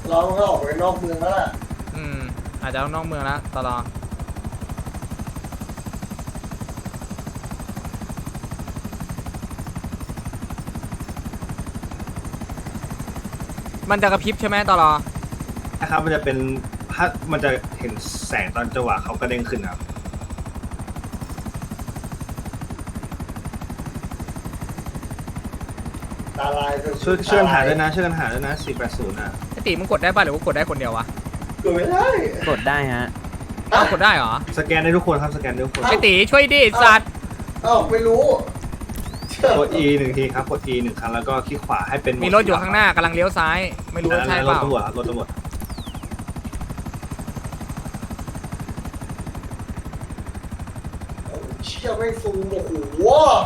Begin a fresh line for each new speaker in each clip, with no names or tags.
เราก็ออกไปนอกเมืองแล้วล่ะ
อาจจะนอกเมืองแล้วตลอดมันจะกระพริบใช่ไหมตลอด
นะครับมันจะเป็นถ้ามันจะเห็นแสงตอนจังหวะเขากระเด้งขึ้นครับ
ตาลาย
ช่วยกันหาด้วยนะช่วยกันหาด้วยนะ480อ่ะ
ไอตีมึงกดได้ป่ะหรือว่ากดได้คนเดียววะ
กดไม่ได้
กดได้ฮะ
กดได้เหรอ
สแกนได้ทุกคนครับสแกนได้ทุกคน
ไอตีช่วยดิสัตว์
ไม่รู้
กด E 1 ทีครับกด E 1 ครั้งแล้วก็คลิกขวาให้เป็น
มีรถอยู่ข้างหน้ากำลังเลี้ยวซ้ายไม่รู้ว่าใช่เปล่ารถ
ตำรวจครับรถตำรวจ
เชี่ยไม่ซูมโอ้โห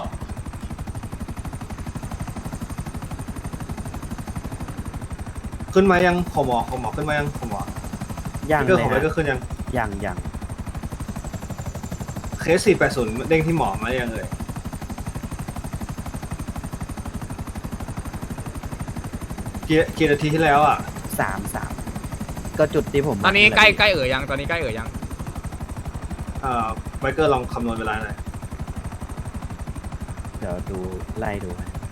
ขึ้นมายังขอหมอขึ้นมายังขอหมอ
ยัง
เลย
ฮะ
ก็ขึ้น
ยัง
เคส480เด้งที่หมอมายังเลยกี่นาทีที่แล้วอ่ะ
3ก็จุดที่ผม
ตอนนี้ใกล้ยังตอนนี้ใกล้ยัง
ไมเคิลลองคำนวณเวลาหน่อย
เดี๋ยวดูไล่ดู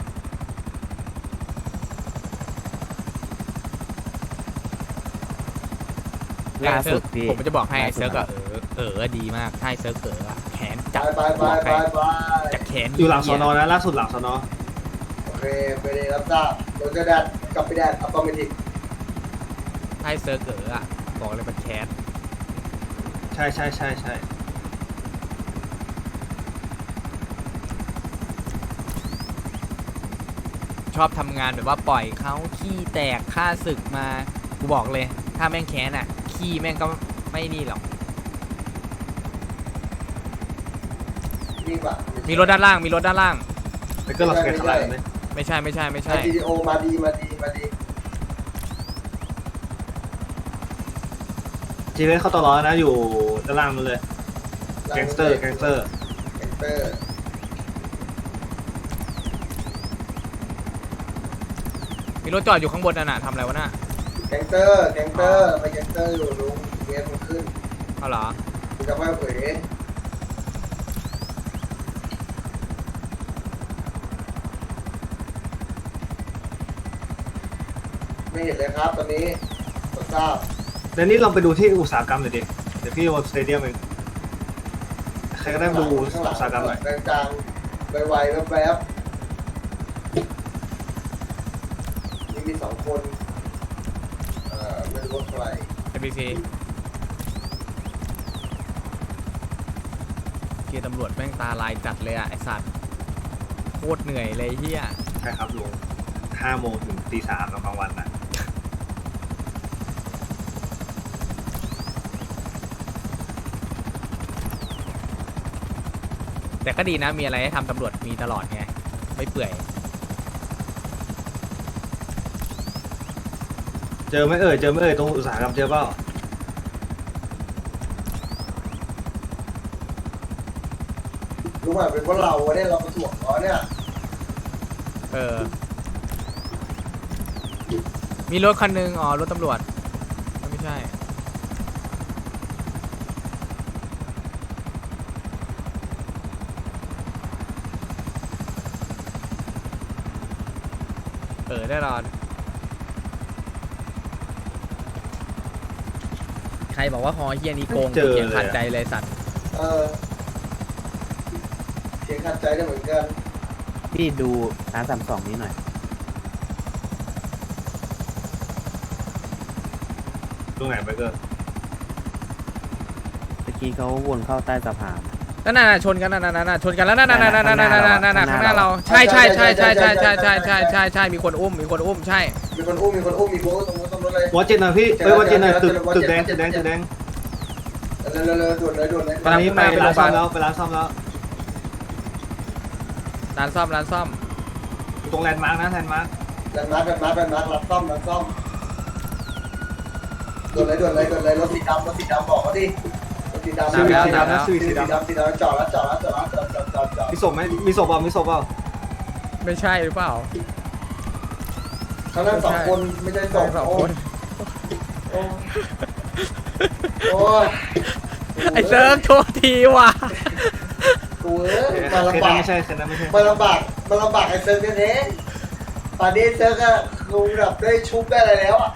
ล่าสุดพี่
ผมจะบอกให้ไอเซิร์กอะดีมากให้เซิร์กแขนจับ
ไป
จากแขน
อยู่หลังสนนะล่าสุดหลังสน
โอเคไปเลยรับทราบโดนจะแดดกลับไปแดดอัตโนมัติ
ให้เซิร์กบอกเลยมันแขน
ใช่
ชอบทำงานแบบว่าปล่อยเขาขี้แตกฆ่าศึกมากูบอกเลยถ้าแม่งแขนขี้แม่งก็ไม่นี่หรอกมีรถด้านล่าง
ไมเคิลเราสแกนข้างล่างไหม
ไม่ใช่
GTO มาดี
จีเวสเข้าตลอดนะอยู่ด้านล่างมันเลยแก๊งสเตอร์
มีรถจอดอยู่ข้างบนน่ะทำอะไรวะน่ะ
แก๊งเตอร์ไปแก๊งเตอร์อยู่ลุงเวสมันขึ้น
เอาเหรอ
กูจะไม่เผยไม่เห็นเลยครับตอนนี้ทราบ
เดี๋ยวนี้เราไปดูที่อุตสาหกรรมหน่อยดิเดี๋ยวพี่วอลสเตเดียมเองใครก็ได้ดูอุตสาหกรรมหน่อย
กลางๆไวๆแวบๆมี2 คนไม่รู้ว่าใคร
ABC เกียร์ตำรวจแม่งตาลายจัดเลยไอสัตว์โคตรเหนื่อยเลยเฮีย
ใช่ครับลุง5 โมงถึงตี 3ตอนกลางวันนะ
แต่ก็ดีนะมีอะไรให้ทำตำรวจมีตลอดไงไม่เปื่อย
เจอไหมตรงอุตสาหกรรมเจอเปล่า
รู้ไหมเป็นเพราะเราเนี่ยเรามาถ่วงเขาเนี่ย
มีรถคันนึงรถตำรวจไม่ใช่แน่นอนใครบอกว่าฮอเฮียนี้โกงเขียนขัดใจเลยสัตว์
เขียนขัดใจได้เหมือนกัน
พี่ดูR32นี้หน่อย
ตรงไหนไปเกอร์
เมื่อกี้เขาวนเข้าใต้สะพาน
นั่นชนกันชนกันแล้วนั่นข้างหน้าเราใช่มีคนอุ้มใช่
มีคนอุ้มตรงรถเลยว
อจินหน่อยพี่วอจินหน่อยตึกแดงเร็ว
ด่วนเลย
ตอนนี้ไปร้านซ่อมแล้วร้านซ่อมตรงแลนด์มาร์กนะแลนด์มาร์ก
รับซ่อมด่วนเลยรถสีดำบอกเขาดิรถสีดำจอด
มีศพไหมมีศพเปล่า
ไม่ใช่หรือเปล่า
เขานั่ง2 คนไม่ใช่2 คนโอ้โอ้ย
ไอ้เซิร์ฟโทษทีว่ะ
กูเอ้ย
เค
มา
ส
ลำ
นั้
บาน ก
ไม่ใช่เคสนั้นไม่ใช่
มาลำบากไอ้เซิร์ฟแท้ๆตอนนี้เซิร์ฟก็ลุงแบบได้ชุบได้อะไรแล้วอ่ะ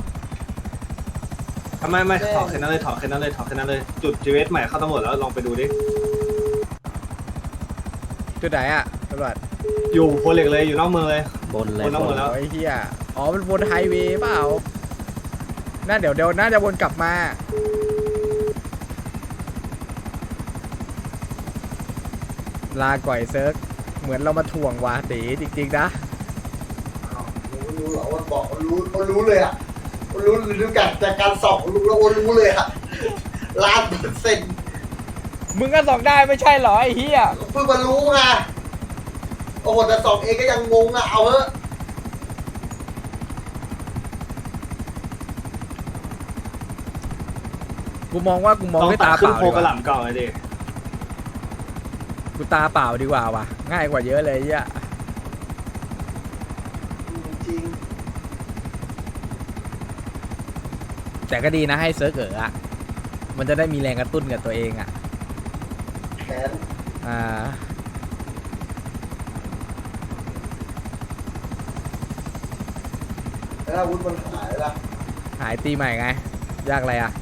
ไม่ถอดเคสนั้นเลยถอดเคสนั้นเลยจุด GS ใหม่เข้าตำรวจแล้วลองไปดูดิ
จุดไหนอ่ะตำรวจ
อยู่โพเหล็กเลยอยู่นอกเมืองเลย
บนเลย
บนแล้วหมดแล้ว
โอ้ยเฮียอ๋อมันบนไฮเวย์เปล่าน่าเดี๋ยวน่าจะวนกลับมาลาก่อยเซิร์ฟเหมือนเรามาถ่วงวาตีจริงๆนะ
อ้าวรู้เหรอว่าบอกมันรู้เลยอ่ะมันรู้ดูจากการส่องรู้แล้วรู้เลยอ่ะ1,000,000%
มึงก็ส่องได้ไม่ใช่เหรอไอ้เฮีย
เพิ่งมารู้ไงโอ้โหแต่ส่องเองก็ยังงงอ่ะเอาเถอะ
กูมองด้วย
ตั
ตา
ด
เป
ขึ้น
ล่า
โพ
ดี
ก
ก
ระห
ว่า
ล่ำเก่าเลยดิ
กูตาเปล่าดีกว่าว่ะง่ายกว่าเยอะเลยเฮีย
จริง
แต่ก็ดีนะให้เซิร์ฟอ่ะมันจะได้มีแรงกระตุ้นกับตัวเองอ่ะ
แขน
อ่า
แล้วอาวุธมันหายละ
หายตีใหม่ไง ยากอะไรอ่ะ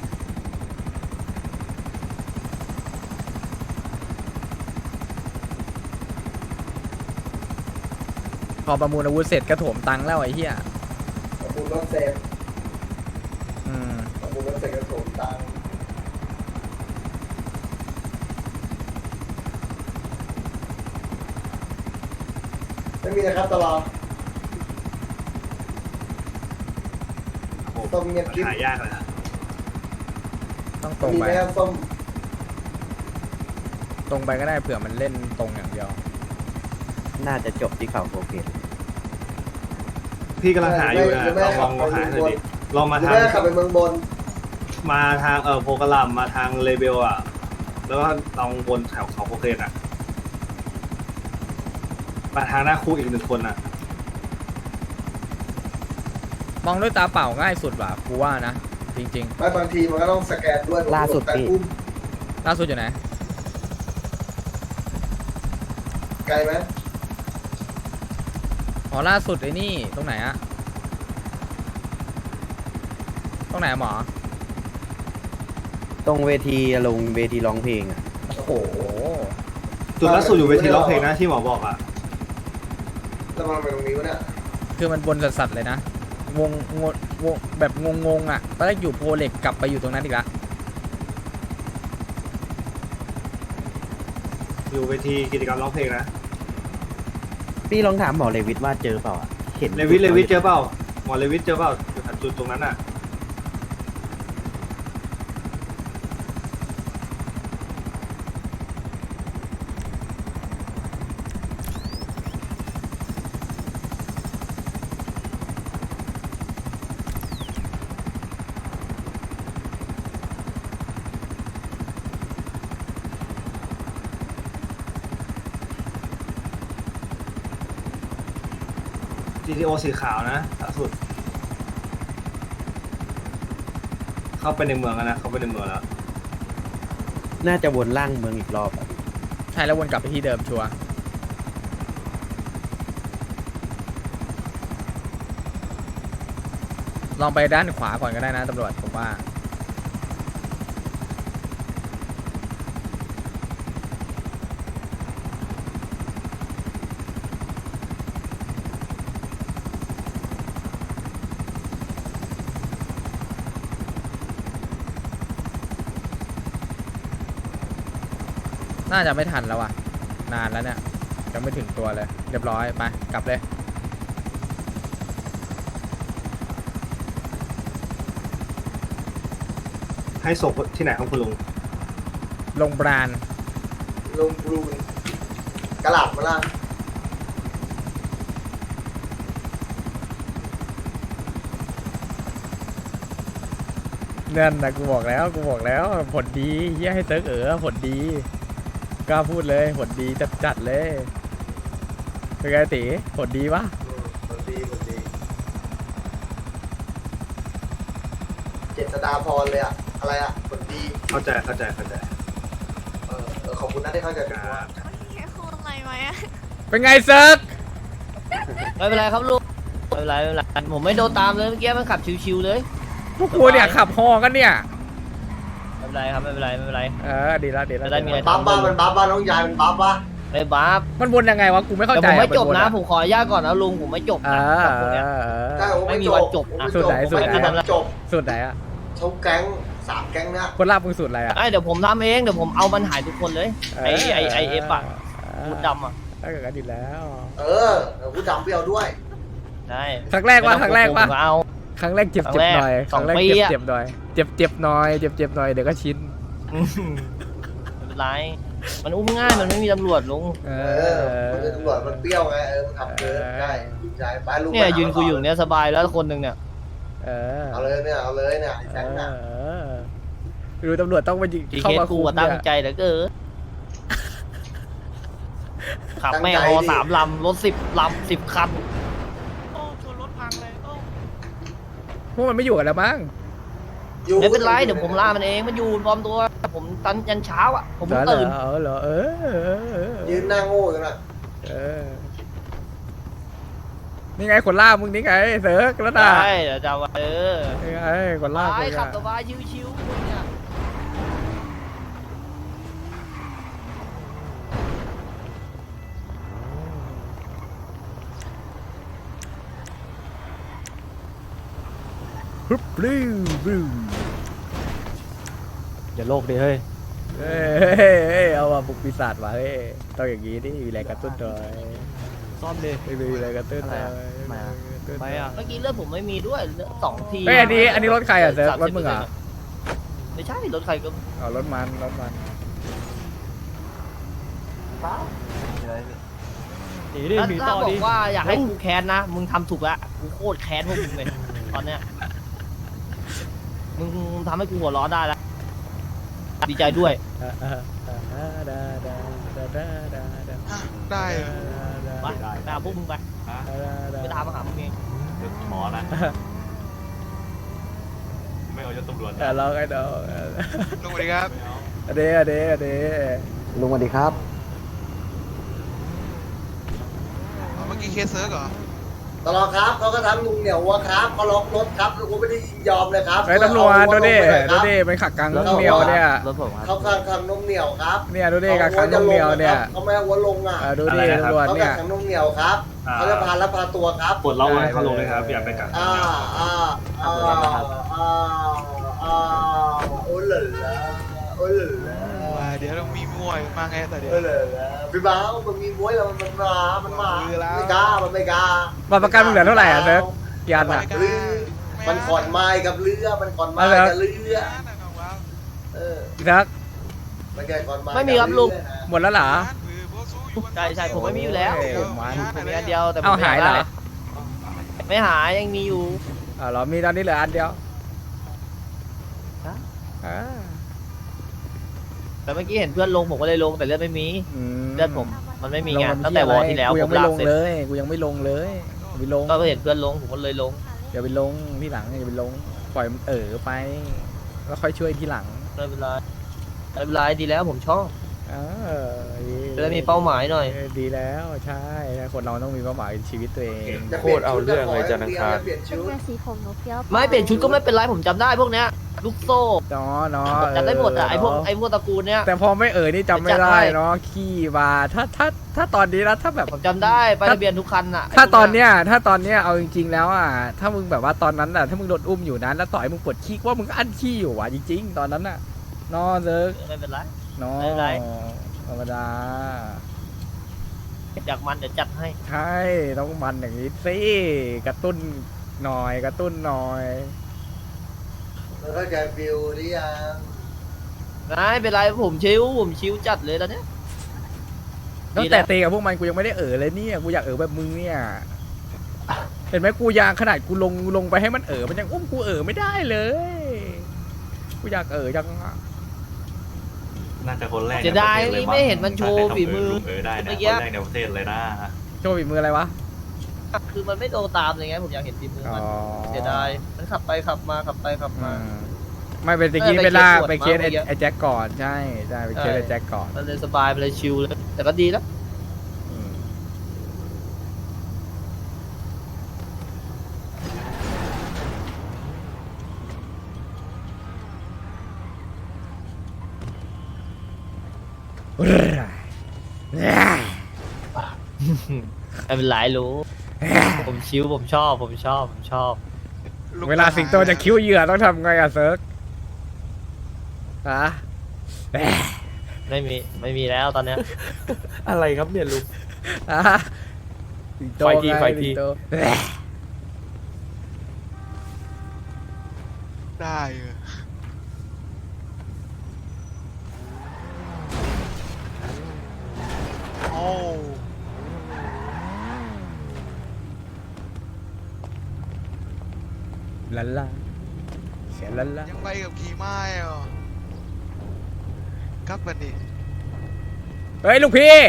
พอประมูลอาวุธเสร็จก็โถมตังค์แล้วไอ้เหี้ย
อาวุธรถเซฟ
อืม
อาวุธรถเซฟกระโถมตังค์ไม่มีนะครับตลอด
โอ้โห
ต้มเงียบกิ๊บ
หายากเลยนะ
ต้องตรง
มี
ไป
ไหมครับส้ม
ตรงไปก็ได้เผื่อมันเล่นตรงอย่างเดียว
น่าจะจบที่เขาโคเกต
พี่กำลังหาอยู่นะลองหาหน่อยดิลองมา
หรือ
ทาง
ไม่ก็ขับไปเมืองบน
มาทางโพกระหล่ำมาทางเลเบลอ่ะแล้วก็ลองวนแถวเขาโคเคนอ่ะมาทางหน้าคู่อีก1 คนอ่ะ
มองด้วยตาเปล่าง่ายสุดว่ะกูว่านะ จริง
ไม่บางทีมันก็ต้องสแกนด้วยแต่อุ้ม
ๆ ล่าสุดอยู่ไหน
ไกลไหม
อ๋อล่าสุดไอ้นี่ตรงไหนอะตรงไหนอะหมอ
ตรงเวทีลงเวทีร้องเพลงอ่ะ
โอ้โห
โอ้
จุดล่าสุดอยู่เวทีร้องเพลงนะที่หมอบอกอ่ะ
แล้วมันไปตรงนี้วะเนี่ย
คือมันบนสัสๆเลยนะวงแบบงงๆอ่ะตอนแรกอยู่โพเล็กกลับไปอยู่ตรงนั้นอีกละ
อยู่เวทีกิจกรรมร้องเพลงนะ
พี่ลองถามหมอเลวิทว่าเจอเปล่าอะเห็น
เลวิทเจอเปล่าหมอเลวิทเจอเปล่าจุดตรงนั้นอ่ะ GTO สีขาวนะล่าสุด เข้าไปในเมืองแล้วนะเข้าไปในเมืองแล้ว
น่าจะวนล่างเมืองอีกรอบอะ
ใช่แล้ววนกลับไปที่เดิมชัวร์ลองไปด้านขวาก่อนก็ได้นะตำรวจผมว่าน่าจะไม่ทันแล้วอ่ะนานแล้วเนี่ยยังไม่ถึงตัวเลยเรียบร้อยไปกลับเลย
ให้ศพที่ไหนของคุณลุง
ลงบราน
ลงบลูนกระหล่ำมาล่ะ
นั่นนะกูบอกแล้วผลดีเฮียให้เซิร์กผลดีกล้าพูดเลยผลดีจัดเลยเป็นไงตีผลดีปะ
คนดีษฎาพรเลยอะอะไรอะผลดี
เข้าใจ
ขอบคุณนะที่เข้าใจผม
ครั
ว่า
บ
ให้พูดอะไรไหมอะ
เป็นไงเซิร์ก
ไม่เป็นไรครับลุงไม่เป็นไรไม่เป็นไรผมไม่โดนตามเลยเมื่อกี้มันขับชิวๆเลย
พวกกูเนี่ยขับฮอกันเนี่ย
ไม่เป็นไรครับไม่เป็นไรไม่เป็นไร
ดีแล้วดีแล้ว
จะได้มีอะไร
บัฟบ้ามันบัฟบ้าน้องยายมันบัฟบ้า
ไม่บ้า
มันวนยังไงวะกูไม่เข้า
แต่
ใจ
ผมไม่จบ
ว
นะผมขออนุญาตก่อนนะลุงผมไม่จบนะกับพวกเนี้ย
ใช่ผม
ไม่มีวันจบนะ
สุดไหนสุดไหน
จบ
สุดไหนอะ
ชกแก๊ง3 แก๊งเนี่ย
คนลาบมึงสุดอะไรอะ
ไอ้เดี๋ยวผมทำเองเดี๋ยวผมเอามันหายทุกคนเลยไอเอฟอะมูดดำอะ
ได้กันดีแล้ว
กูจำเปรี้ยวด้วย
ใช่
ครั้งแรกว่าครั้งแรกว่า
ผมเอา
ครั้งแรกเจ็บ
ครั้งแรก
หน่อยค
สอ
รั้
ง
งแรก
ปีอะ
เจ็บหน่อยเจ็บหน่อยเจ็บหน่อยเดี๋ยวก็ชิน
ไม่เป็นไรมันอุ้มง่ายมันไม่มีตำรวจลุง
มันเป็นตำรวจมันเปรี้ยวไงมันขับเกินได้ดีใจไปลุง
เนี่ยยืนคุยอยู่เนี้ยสบายแล้วคนหนึ่งเนี่ย
เอาเลยเนี่ยไอ้แก๊งเนี่ย
ดูตำรวจต้องมายิง
จี
เข้า
เคส
มา
กู
คุม
อะตั้งใจเหลือเกินขับแม่งฮอ3 ลำรถ10 คัน
โอ้ชนรถพังเลยโอ้
พวกมันไม่อยู่กันแล้วมั้ง
ไม่เป็นไรเดี๋ยวผมล่ามันเองมันอยู่ปลอมตัวผมตันยันเช้าอ่ะผมเพิ่งตื่น
เหรอ
ยืนหน้าโง่กันนะ
นี่ไงคนล่ามึงนี่ไงเสือกแล้วนะ
ใช่เดี๋ยวจะเอา
นี่ไงคนล่า
ไป
มึง
ขับสบายชิวๆคุณเนี่ย
ปึ๊บลื้อบื้อ
อย่าโลกดิเฮ้ย
เฮ้ยเอาว่ะบุกปีศาจว่ะเฮ้ยต้องอย่างนี้ดิมีแรงกระตุ้นหน่อย
ซ่อมดิ
ไม่มีแรงกระตุ้นหน่อย
ไปอ่ะ
เมื่อกี้เลือดผมไม่มีด้วยเลือด2 ที
เฮ้ยอันนี้รถใครอ่ะเสือกรถมึงเหรอ
ไม่ใช่รถใครก็
อ๋อรถมัน
หนีดิหนี
ถ้า
ต่อบ
อ
ดิ
กว่าอยากให้กูแค้นนะมึงทำถูกละกูโคตรแค้นพวกมึงเลยตอนเนี้ยมึงทำให้กูหัวเร้อนได้แล้วดีใจด้วย
ได้
ไปตามพวกมึงไปไปตามมาหามึงเอง
หมอนะ ไม่เอายศตำรวจ
แต่เราไอ้ดอก
ลุงสวัสดีครับ
เดเด
ลุงสวัสดีครับ
เมื่อกี้เคสเซิร์กเหรอ
ตลอดครับเขาก็ทำลุงเหนียววัวครับเขาล็อกรถครับลุงไม่ได้ยินยอมเลยครับ
ไอ้ตำรวจดูดิมันขักกังนุ่มเหนียวเนี่ย
รถผมครับ
เขาขังนมเหนียวครับ
เนี่ยดูดิขักกังนุ่มเหนียวเนี่ย
เขาไม่เอาวัวลงอ่ะ
ดูดิตำรวจ
เขา
เนี่ย
ขังนมเหนียวครับเขาจะพารับพาตัวครับ
ปลดล็อกให้เขาลงเลยครับอย่าไปกัก
โอ้เหล่ละโอ้เหล่ละ
เดี๋ยวต้องมีมวยมาไงแต่เดี๋ยว
โอ้เหล่ละพี่บ้ามันมีมวยแล้วมันมาไม่กล้ามันไม่กล้า
บัตรประกันมึงเหลือเท่าไหร่อ่ะเซิร์ฟกี่อันอ่ะ
เรือมันขอนไม้กับเรือมันขอนไม้กับเรือ
ซัก
มันแค่ขอนไม้
ไม่มีครับลุง
หมดแล้วเหรอ
ใช่ผมไม่มีอยู่แล้ว
มัน
ผมมีอันเดียวแต่ผม
เอาหายเหรอ
ไม่หายยังมีอยู่
เหรอมีตอนนี้เหลืออันเดียว
แต่เมื่อกี้เห็นเพื่อนลงผมก็เลยลงแต่เลือดไม่มีเลือดผมมันไม่มีไงตั้งแต่วอร์ที่แล้ว
กู
ผ
ยัง
ม
ไม่
ลา
ล
ก
ง
เสร็จ
เลยกูยังไม่ลงเลยไปลง
ก็เห็นเพื่อนลงผมก็เลยลง
อย่าไปลงที่หลังอย่าไปลงปล่อยมันไปแล้วค่อยช่วยทีหลัง
ไม่เป็นไรไม่เป็นไรดีแล้วผมชอบ จะได้มี
ดี
เป้าหมายหน่อย
ดีแล้วใช่คนเราต้องมีเป้าหมายในชีวิตตัวเอง
โคตรเอาเรื่องเลยจันทร์อังคาร
เป็นเงินสีผมหนูเฟี้ยว
ไม่เปลี่ยนชุดก็ไม่เป็นไรผมจำได้พวกเนี้ยลูกโซ่
เนาะ
จำได้หมดอ่ะไอพวกตระกูลเนี้ย
แต่พอไม่นี่จำไม่ได้เนาะขี้บาถ้าตอนนี้นะถ้าแบบ
ผมจำได้ไปทะเบียนทุกคันอ่ะ
ถ้าตอนเนี้ยเอาจริงๆแล้วอ่ะถ้ามึงแบบว่าตอนนั้นอ่ะถ้ามึงโดนอุ้มอยู่นั้นแล้วต่อยมึงปวดขี้ว่ามึงก็อั้นขี้อยู่ว่ะจริงๆ ตอนนั้นอ่ะนอเซิร์ก
ไม่เป็นไร
นอ
ไม่เป็นไร
ธรรมดา
อยากมันเดี๋ยวจัดให้
ใช่ต้องมันอย่างนี้สิกระตุ้นหน่อยกระตุ้นหน่อย
แล้วเข้าใจฟิลหรือยัง
ไม่เป็นไรผมชิวจัดเลยตอนเนี้ย
ตั้งแต่ตีกับพวกมันกูยังไม่ได้เลยเนี่ยกูอยากแบบมึงเนี่ยเห็นไหมกูยางขนาดกูลงไปให้มันมันยังอุ้มกูไม่ได้เลยกูอยากจังอะ
น่าจะคนแรก
เสียดายไม่เห็นมันโชว์ฝีมือ
ได้นะ
เมื่อ
ค
กี้
นแรกในประเทศเลยนะ
โชว์ฝีมืออะไรวะ
คือมันไม่โตตามเลยไงผมอยากเห็นฝีมือมันเสียดายมันขับไปขับมาขับไปขับมา
อืมไม่เป็นตะกี้ไปล่าไปเคส
เมื่อกี้
ไอ้แจ็คก่อนใช่ใช่ไปเคสไอ้แจ็คก่อน
มันเลยสบายไปเลยชิลเลยแต่ก็ดีแล้ว
อืม
ไม่เป็นไรรู้ ผมชิลผมชอบ ผมชอบผมชอบ
ลุง
เวลาสิงโตจะคิ้วเหยื่อต้องทำไงอะเซิร์กฮะ
ไม่มีแล้วตอนเนี้ย
อะไรครับเนี่ยลุง
ฮะสิงโต
ไฟที
ง
ไฟที
สิงโต
ได้เออโอ้
ลันลาเสียลันลา
ยังไปกับขี่ไม้เหรอครับวันนี้
เฮ้ยลูกพี่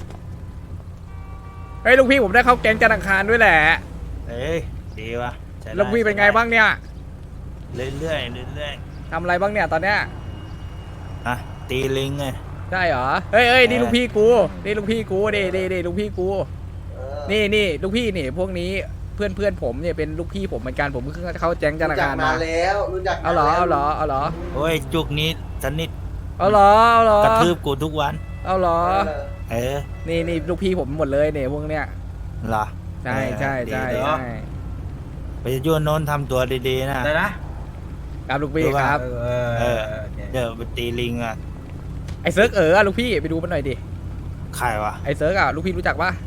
เฮ้ยลูกพี่ผมได้เข้าแก๊งจันทร์อังคารด้วยแหละ
เอ้ยดีวะใช้ได้
ลูกพี่เป็นไงบ้างเนี่ย
เรื่อยๆเรื่อย
ทำอะไรบ้างเนี่ยตอนเนี้ย
ๆอ่ะตีลิงไง
ใช่เหรอเฮ้ยนี่ลูกพี่กูนี่ลูกพี่กูนี่ลูกพี่กู นี่ลูกพี่นี่พวกนี้เพื่อนผมเนี่ยเป็นลูกพี่ผมเหมือนกันผมเพิ่งเข้าแก๊งจันทร์อังคาร
มา
มา
แล้วรู้จัก
เอาเหรอเอาเหรอเอาเหรอ
โอ้ยจุกนี้สนิท
เอาเหรอเอาเหรอก
ระทืบกูทุกวัน
เอาเหรอ
เออ
นี่ลูกพี่ผมหมดเลยเนี่ยพวกเนี้ย
เหรอ
ใช่
ดีเดี๋ยว ไปยุ่นโน้นทำตัวดีๆนะครับ
ลูกพี่ครับ
เออเดี๋ยวไปตีลิงอ่ะ
ไอ้เซิร์กลูกพี่ไปดูมันหน่อยดิ
ใครวะ
ไอ้เซิร์กลูกพี่รู้จักปะ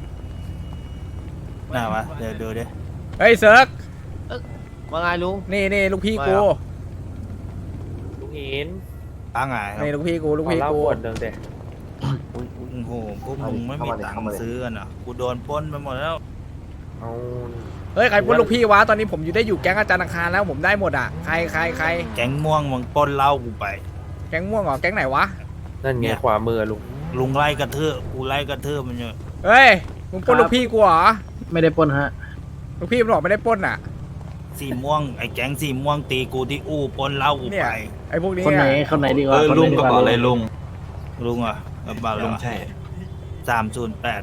น่าวะเดี๋ยวดูดิ
เฮ้ยเซิร์ก
ว่าไงลุง
นี่ลูกพี่กู
ว่า
ลุงหิน
ตั้งไง
นี่ลูกพี่กูลูก
ขอ
พี่
เล่า
กู
ขวดหนึ่งเด็
โอ้โหพวกมึงไม่มีตังค์ซื้อกันเหรอกูโดนปล้นไปหมดแล้ว
เอา
เฮ้ยใครปล้นลูกพี่วะตอนนี้ผมอยู่ได้อยู่แก๊งอาจารย์อังคารแล้วผมได้หมดอ่ะใคร
แก๊งม่วงมึงปล้นเหล้ากูไป
แก๊งม่วงเหรอแก๊งไหนวะ
นั่น
เนี่
ไง
ย
ขวามือลุง
ลุงไล่กระทืบกูไล่กระทืบมันอยู่
เฮ้ยมึงปล้นลูกพี่กูเหรอ
ไม่ได้ปล้นฮะ
ลูกพี่มันบอกไม่ได้ปล้นอ่ะ
สีม่วงไอ้แก๊งสีม่วงตีกูที่อู้ปล้นเหล้ากู
เนี่ย
ไป
ไอ้พวกนี้
คนไหน
อะ
คนไหนดีกว่า
ลุงกระเป๋าอะไรลุง
ลุงอ่ะกระเป๋าลุงใช่308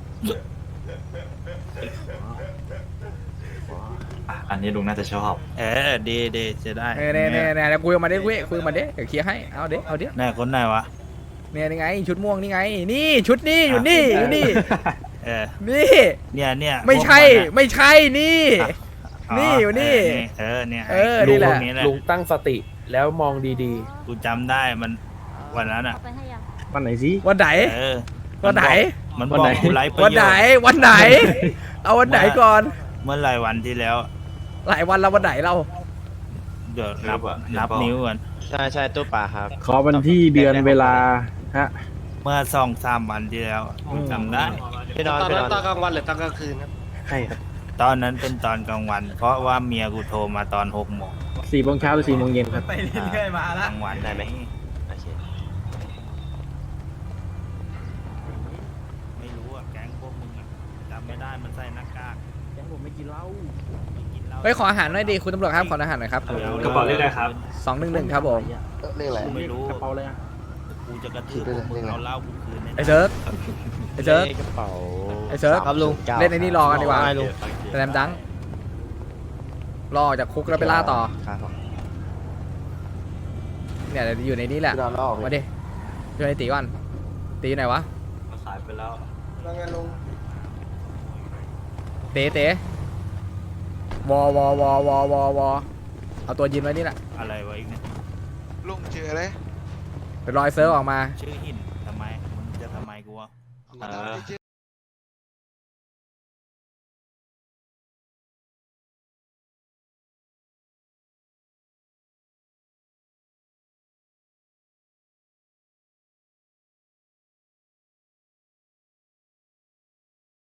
อันนี้ลุงน่าจะชอบ
เออดีจะได้
เนี่ยคุยมาดิคุยมาดิเดี๋ยวเคลียร์ให้เอาดิ
ไหนคนไหนวะ
เนี่ยนี่ไงชุดม่วงนี่ไง นี่ชุดนี่อยู่นี่อยู่นี่
เออ
นี่
เนี่ย
ไม่ใช่
พวกนน่ะ
ไม่ใช่นี่ นี่อยู่นี่
เนี่ย
เออ
ไ
นี่แหละ
พวกนี้แหละ
ลุงตั้งสติแล้วมองดี
กูจำได้มันวันนั้นอ่ะ
ๆวันไหนสิ
วันไหน
เออ
วันไหน
มันบ
วัน
อก
ไหน
กูไลฟ์ประโยช
วันไหน
น์
วันไหน เอาวันไหนก่อน
เมื่อหลายวันที่แล้ว
หลายวันแล้ววันไหนเรา
เดี๋ยว
นับอะ
นับ
เดี๋ยวบอก
นิ้วก่อน
ใช่ตู้ปลาครับ
ขอวันที่เดือนเวลาฮะ
เมื่อ2-3 วันที่แล้วกูจำได้
พี่นอน
ตอน
พี่น
นั้น
อน
ตอนกลางวันหรือตอนกลางคืนครับ
ใช่ครับ
ตอนนั้นเป็นตอนกลางวัน เพราะว่าเมียกูโทรมาตอน6 โมง
4 โมงเช้าหรือ 4 โมงเย็นครับ
กลางวัน
ได้ไหมโอเค
ไม่รู้อ่ะแก๊งพวกมึงอ่ะจำไม่ได้มันใส่หน้ากาก
แกผมไม่กินเหล้า
ไม่กินเหล้า
เฮ้ยขออาหารหน่อยดิคุณตำรวจครับขออาหารหน่อยครับ
กระเป๋าเรียกอะไรครับ
211ครับผม
เรื่องอะไร
ไม่รู้
กระเป๋าเลยอะ
กูจะกระทืบพวกมึงเอาเหล้ากูคืนแน่
ไอ้เซิร์ฟไอ้เซิร์ฟ
กระเป๋า
ไอ้เซิร์ฟ
ครับลุง
เล่นไอ้นี่รอกันดีกว่า
ไงลุง
แสลมดังรอออกจากคุกแล้วไปล่าต่อ
ครับผม
เนี่ยเดี๋ยวอยู่ในนี้แหละ
พี่นอนแล้วออก
มาดิช่วยไอ้ตีก่อนตีอยู่ไหนวะ
ขายไปแล้ว
แล้วไงลุง
เต๋วอเอาตัวยืนไว้นี่แหละ
อะไรวะอีกเนี่ย
ลุงเจออะไร
เดี๋ยวรอยเซิร์ฟออกมา
ชื่อหินทำไมมึงจะทำไมกูวะ
เอามาทำอะไรเจอ